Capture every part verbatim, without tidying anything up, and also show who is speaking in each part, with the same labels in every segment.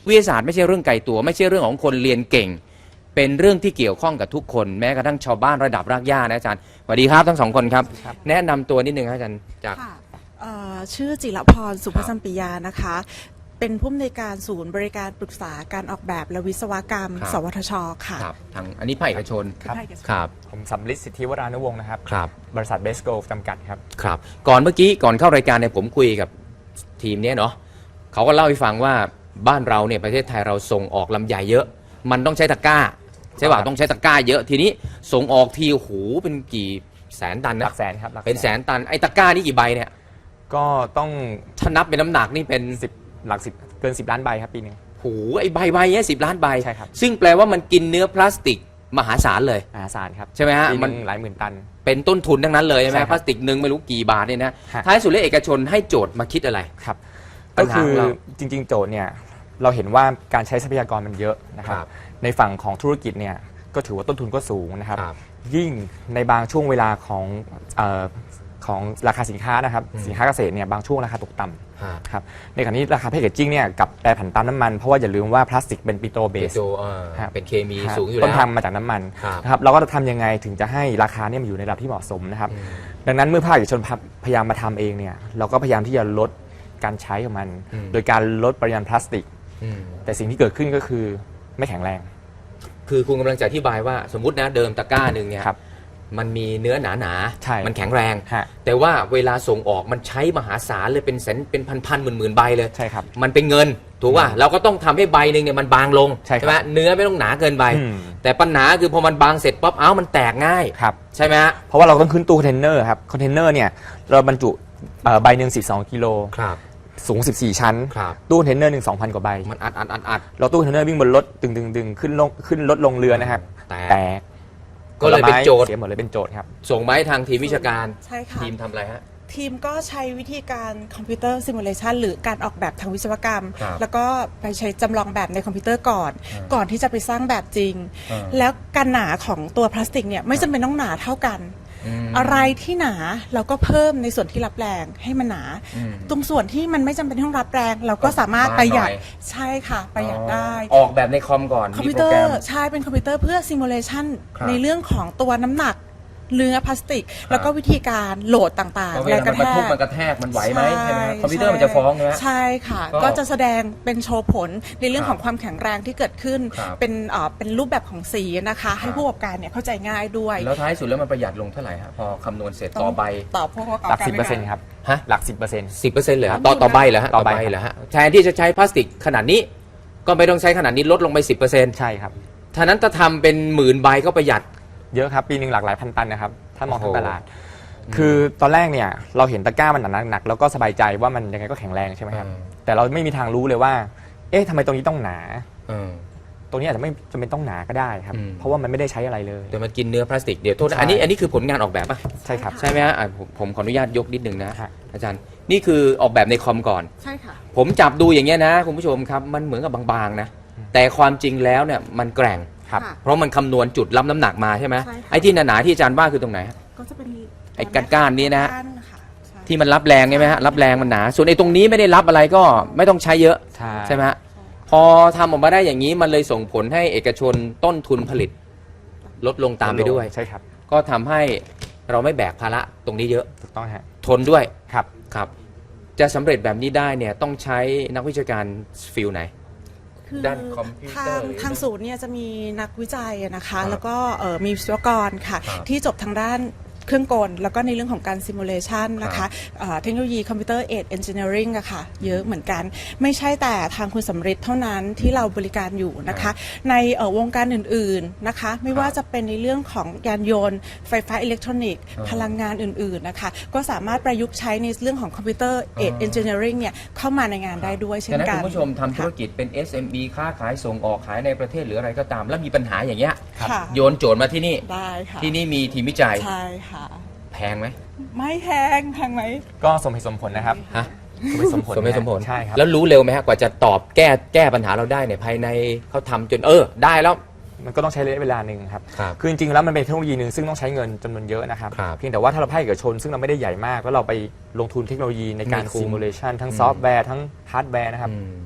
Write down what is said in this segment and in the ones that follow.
Speaker 1: วิทยาศาสตร์ไม่ใช่เรื่องไกลตัวไม่ใช่เรื่องของคนเรียนเก่งเป็นเรื่องที่เกี่ยวข้องกับทุกคนแม้กระทั่งชาวบ้านระดับรากหญ้านะอาจารย์สวัสดีครับทั้งสองคนครับแนะนำตัวนิดนึงครับอาจารย์จาก
Speaker 2: ชื่อจิรพรสุภสัมปิยานะคะเป็นผู้อำนวยการศูนย์บริการปรึกษาการออกแบบและวิศวกรรมสวทชค่ะ
Speaker 1: ครับทางอันนี้ภาคเอกชน
Speaker 3: ครับ
Speaker 1: ครับ
Speaker 3: ผมสำลิดสิทธิวรานุวงศ์นะครับ
Speaker 1: ครับ
Speaker 3: บริษัทเบสโกลจำกัดครับ
Speaker 1: ครับก่อนเมื่อกี้ก่อนเข้ารายการเนี่ยผมคุยกับทีมนี้เนาะเขาก็เล่าให้ฟังว่าบ้านเราเนี่ยประเทศไทยเราส่งออกลำไยเยอะมันต้องใช้ตะกร้าใช่ป่ะต้องใช้ตะกร้าเยอะทีนี้ส่งออกทีโอ้โหเป็นกี่แสนตันนะ
Speaker 3: หลักแสนครับ
Speaker 1: เป็นแสนตันไอ้ตะกร้านี่กี่ใบเนี่ย
Speaker 3: ก็ต้อง
Speaker 1: ถ้านับเป็นน้ำหนักนี่เป็น
Speaker 3: สิบหลักสิบเกินสิบล้านใบครับปีนึง
Speaker 1: โอ้โหไอ้ใบใบเนี้ยสิบล้านใบ
Speaker 3: ใช่ครับ
Speaker 1: ซึ่งแปลว่ามันกินเนื้อพลาสติกมหาศาลเลย
Speaker 3: มหาศาลครับ
Speaker 1: ใช่ไหมฮะ
Speaker 3: มันหลายหมื่นตัน
Speaker 1: เป็นต้นทุนทั้งนั้นเลยใช่ไหมพลาสติกหนึ่งไม่รู้กี่บาทเนี่ยนะท้ายสุดแล้วเอกชนให้โจทย์มาคิดอะไร
Speaker 3: ครับก็คือจริงๆโจทย์เนี่ยเราเห็นว่าการใช้ทรัพยากรมันเยอะนะครับในฝั่งของธุรกิจเนี่ยก็ถือว่าต้นทุนก็สูงนะครับยิ่งในบางช่วงเวลาของของราคาสินค้านะครับสินค้าเกษตรเนี่ยบางช่วงราคาตกต่ำครับในขณะนี้ราคาแพคเกจจิ้งเนี่ยกับแปรผันตามน้ำมันเพราะว่าอย่าลืมว่าพลาสติกเป็นปิโตรเบส
Speaker 1: เป็นเคมีสูงอยู่แล้ว
Speaker 3: ต้นทางมาจากน้ำมันนะครับเราก็จะทำยังไงถึงจะให้ราคาเนี่ยมันอยู่ในระดับที่เหมาะสมนะครับดังนั้นเมื่อภาคเอกชนพยายามมาทำเองเนี่ยเราก็พยายามที่จะลดการใช้ของมันโดยการลดปริมาณพลาสติกแต่สิ่งที่เกิดขึ้นก็คือไม่แข็งแรง
Speaker 1: คือคุณกำลังจะอธิบายว่าสมมตินะเดิมตะกร้าหนึ่งเนี่ยมันมีเนื้อหนาหนามันแข็งแรงแต่ว่าเวลาส่งออกมันใช้มหาศาลเลยเป็นแสนเป็นพันพันหมื่นหมื่นใบเลย
Speaker 3: ใช่ครับ
Speaker 1: มันเป็นเงินถูกป่ะเราก็ต้องทำให้ใบหนึ่งเนี่ยมันบางลงใช่ไหมเนื้อไม่ต้องหนาเกินใบแต่ปัญหาคือพอมันบางเสร็จป๊อปเอ้ามันแตกง่ายใช่ไหมฮะ
Speaker 3: เพราะว่าเราต้องขึ้นตู้คอนเทนเนอร์ครับคอนเทนเนอร์เนี่ยเราบรรจุใบหนึ่งสิบสองกิโลสูงสิบสี่ชั้นตู้คอนเทนเนอร์หนึ่ง สองพัน กว่าใบ
Speaker 1: มันอัดอัดอัดอัด
Speaker 3: เราตู้คอนเทนเนอร์วิ่งบนรถดึงดึงดึงขึ้นลงขึ้นรถลงเรือนะครับแตก
Speaker 1: ก็เลยเป็นโจทย์
Speaker 3: เสียหมดเลยเป็นโจทย์ครับ
Speaker 1: ส่งไม้ทางทีมวิชาการ
Speaker 2: ใช่ค่ะ
Speaker 1: ทีมทำอะไรฮะ
Speaker 2: ทีมก็ใช้วิธีการคอมพิวเตอร์ซิมูเลชันหรือการออกแบบทางวิศวกรรมแล้วก็ไปใช้จำลองแบบในคอมพิวเตอร์ก่อนก่อนที่จะไปสร้างแบบจริงแล้วการหนาของตัวพลาสติกเนี่ยไม่จำเป็นต้องหนาเท่ากันอะไรที่หนาเราก็เพิ่มในส่วนที่รับแรงให้มันหนาตรงส่วนที่มันไม่จำเป็นต้องรับแรงเราก็สามารถประหยัดใช่ค่ะประหยัดได้
Speaker 1: ออกแบบในคอมก่อน
Speaker 2: คอมพิวเตอร์ใช่เป็นคอมพิวเตอร์เพื่อซิมูเลชันในเรื่องของตัวน้ำหนักเนื้อพลาสติกแล้วก็วิธีการโหลดต่าง
Speaker 1: ๆแรงกระแทกมันกระแทกมันไหวไหมใช่ไหมคอมพิวเตอร์มันจะฟ้องใช่ไหม
Speaker 2: ใช่ค่ะก็จะแสดงเป็นโชว์ผลในเรื่องของความแข็งแรงที่เกิดขึ้นเป็นเอ่อเป็นรูปแบบของสีนะคะให้ผู้ประกอบการเนี่ยเข้าใจง่ายด้วย
Speaker 1: แล้วท้ายสุดแล้วมันประหยัดลงเท่าไหร่ฮะพอคำนวณเสร็จต่อใบ
Speaker 2: ต่อผู้ประกอบ
Speaker 3: การหลัก
Speaker 2: สิ
Speaker 3: บเปอร์เซ็นต์ครับฮะหลักสิบเปอร์เซ็นต์
Speaker 1: สิบเปอร์เซ็นต์เลยต่อต่อใบเหรอฮะต่อใบเหรอฮะแทนที่จะใช้พลาสติกขนาดนี้ก็ไม่ต้องใช้ขนาดนี้ลดลงไปสิบเปอร์เซ็นต์
Speaker 3: ใช่ครับ
Speaker 1: ท่านั้นถ้าทำเป็นหมื่นใบก็ประหยัด
Speaker 3: เยอะครับปีหนึ่งหลากหลายพันตันนะครับถ้ามองทั้งตลาดคือตอนแรกเนี่ยเราเห็นตะกร้ามันหนักๆแล้วก็สบายใจว่ามันยังไงก็แข็งแรงใช่ไหมครับแต่เราไม่มีทางรู้เลยว่าเอ๊ะทำไมตรงนี้ต้องหนาตรงนี้อาจจะไม่จำเป็นต้องหนาก็ได้ครับเพราะว่ามันไม่ได้ใช้อะไรเลย
Speaker 1: แต่มันกินเนื้อพลาสติกเดี๋ยวโทษนะอันนี้อันนี้คือผลงานออกแบบป่ะ
Speaker 3: ใช่ครับ
Speaker 1: ใช่ไหมฮะผมขออนุญาตยกนิดนึงนะอาจารย์นี่คือออกแบบในคอมก่อน
Speaker 2: ใช่ค่ะ
Speaker 1: ผมจับดูอย่างเงี้ยนะคุณผู้ชมครับมันเหมือนกับบางๆนะแต่ความจริงแล้วเนี่ยมันแกร่งเพราะมันคำนวณจุดรับน้ำหนักมาใช่ไหมไอ้ที่หนาๆที่อาจารย์ว่าคือตรงไหน
Speaker 2: ก็จะเป็น
Speaker 1: ไอ้ก้านๆนี้นะที่มันรับแรงใช่ไหมฮะรับแรงมันหนาส่วนไอ้ตรงนี้ไม่ได้รับอะไรก็ไม่ต้องใช้เยอะใช่ไหมฮะพอทำออกมาได้อย่างนี้มันเลยส่งผลให้เอกชนต้นทุนผลิตลดลงตามไปด้วย
Speaker 3: ใช่ครับ
Speaker 1: ก็ทำให้เราไม่แบกภาระตรงนี้เยอะ
Speaker 3: ถูกต้องฮะ
Speaker 1: ทนด้วย
Speaker 3: ครับ
Speaker 1: ครับจะสำเร็จแบบนี้ได้เนี่ยต้องใช้นักวิชาการฟิลไหนด้านคอมพิวเตอร์
Speaker 2: ทางศูนย์เนี่ยจะมีนักวิจัยนะคะแล้วก็มีวิศวกรค่ะที่จบทางด้านเครื่องกลแล้วก็ในเรื่องของการซิมูเลชันนะคะเทคโนโลยีคอมพิวเตอร์เอดเอนจิเนียริงอะค่ะเยอะเหมือนกันไม่ใช่แต่ทางคุณสำริดเท่านั้นที่เราบริการอยู่นะคะในวงการอื่นๆนะคะไม่ว่าจะเป็นในเรื่องของยานยนต์ไฟฟ้าอิเล็กทรอนิกส์พลังงานอื่นๆนะคะก็สามารถประยุกต์ใช้ในเรื่องของคอมพิวเตอร์เอดเอนจิเนียริงเนี่ยเข้ามาในงานได้ด้วยเช่นกัน
Speaker 1: คุณผู้ชมทำธุรกิจเป็น เอส เอ็ม อี ค้าขายส่งออกขายในประเทศหรืออะไรก็ตามแล้วมีปัญหาอย่างเงี้ยโยนโจทย์มาที่นี่
Speaker 2: ได้ค่ะ
Speaker 1: ที่นี่มีทีมวิจัย
Speaker 2: ใช่ค่ะ
Speaker 1: แพงไหม
Speaker 2: ไม่แพงแพงไหม
Speaker 3: ก็สมเหตุสมผลนะครับ
Speaker 1: ฮะ
Speaker 3: สมเหตุสมผล
Speaker 1: สมเหตุสมผล
Speaker 3: ใช่ครับ
Speaker 1: แล้วรู้เร็วไหมฮะกว่าจะตอบแก้แก้ปัญหาเราได้เนี่ยภายในเขาทำจนเออได้แล้ว
Speaker 3: มันก็ต้องใช้ระยะเวลาหนึ่งครับคือจริงๆแล้วมันเป็นเทคโนโลยีหนึ่งซึ่งต้องใช้เงินจำนวนเยอะนะครับเพียงแต่ว่าถ้าเราภาคเอกชนซึ่งเราไม่ได้ใหญ่มากแล้วเราไปลงทุนเทคโนโลยีในการซิมูเลชันทั้งซอฟต์แวร์ทั้งฮาร์ดแวร์นะครับไม่คุ้ม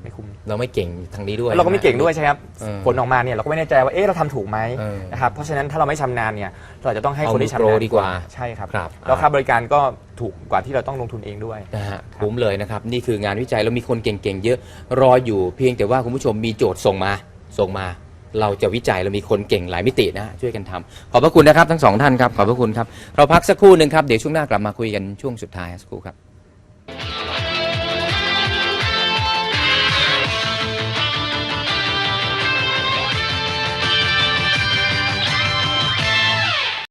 Speaker 1: เราไม่เก่งทางนี้ด้วย
Speaker 3: แล้วเราก็ไม่เก่งด้วยใช่ครับ
Speaker 1: เออ
Speaker 3: ผลออกมาเนี่ยเราก็ไม่แน่ใจว่าเอ๊ะเราทำถูกไหม
Speaker 1: เออ
Speaker 3: นะครับเพราะฉะนั้นถ้าเราไม่ชำนาญเนี่ยเราจะต้องให้
Speaker 1: เอา
Speaker 3: คนที่ชำ
Speaker 1: มือโป
Speaker 3: นาญ
Speaker 1: รดีกว่า
Speaker 3: ใช่ครับ
Speaker 1: ครับ
Speaker 3: แล้วค่าบริการก็ถูกกว่าที่เราต้องลงทุนเองด้วย
Speaker 1: นะฮะคุ้มเลยนะครับ นี่คืองานวิจัยแล้วมีคนเก่งๆเยอะรออยู่เพียงแต่ว่าคุณผู้ชมมีโจทย์ส่งมาส่งมา เราจะวิจัยเรามีคนเก่งหลายมิตินะฮะช่วยกันทำขอบพระคุณนะครับทั้งสองท่านครับขอบพระคุณครับเราพักสักครู่หนึ่งครับเดี๋ยวช่วงหน้ากลับมาคุยกันช่วงสุดท้ายสักครู่ครับ